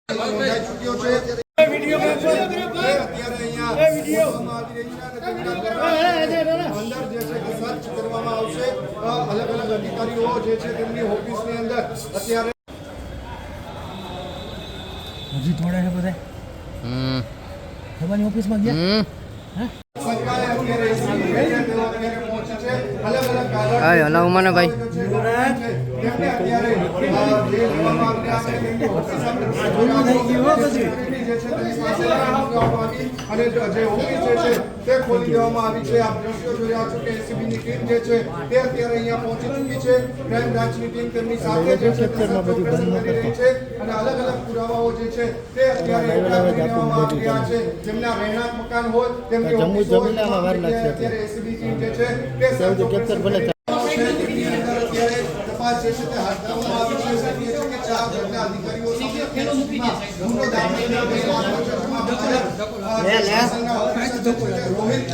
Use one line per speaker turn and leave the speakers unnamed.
અલગ અલગ અધિકારીઓ જે છે તેમની ઓફિસની અંદર અત્યારે
હજી થોડા છે બધા તમારી ઓફિસમાં ગયા
હલાવમાં ભાઈ
અને જે ઓફિસ જે છે તે ખોલી દેવામાં આવી છે. આપ દ્રશ્યો જોઈ રહ્યા છો કે એસીબીની ટીમ જે છે તે અત્યારે અહીંયા પહોંચી ચૂકી છે. ક્રાઇમ બ્રાન્ચની ટીમ તેમની સાથે જે છે અને અલગ અલગ પુરાવાઓ જે છે તે અત્યારે લેવામાં આવી રહ્યા છે. જેમના રહેણાંક મકાન હોય તેમની ઓફિસ અત્યારે એસીબી ટીમ જે છે તે તપાસ જે છે તે હાથ ધરવામાં આવી છે. કે 4 ઘરના અધિકારીઓ રોહિત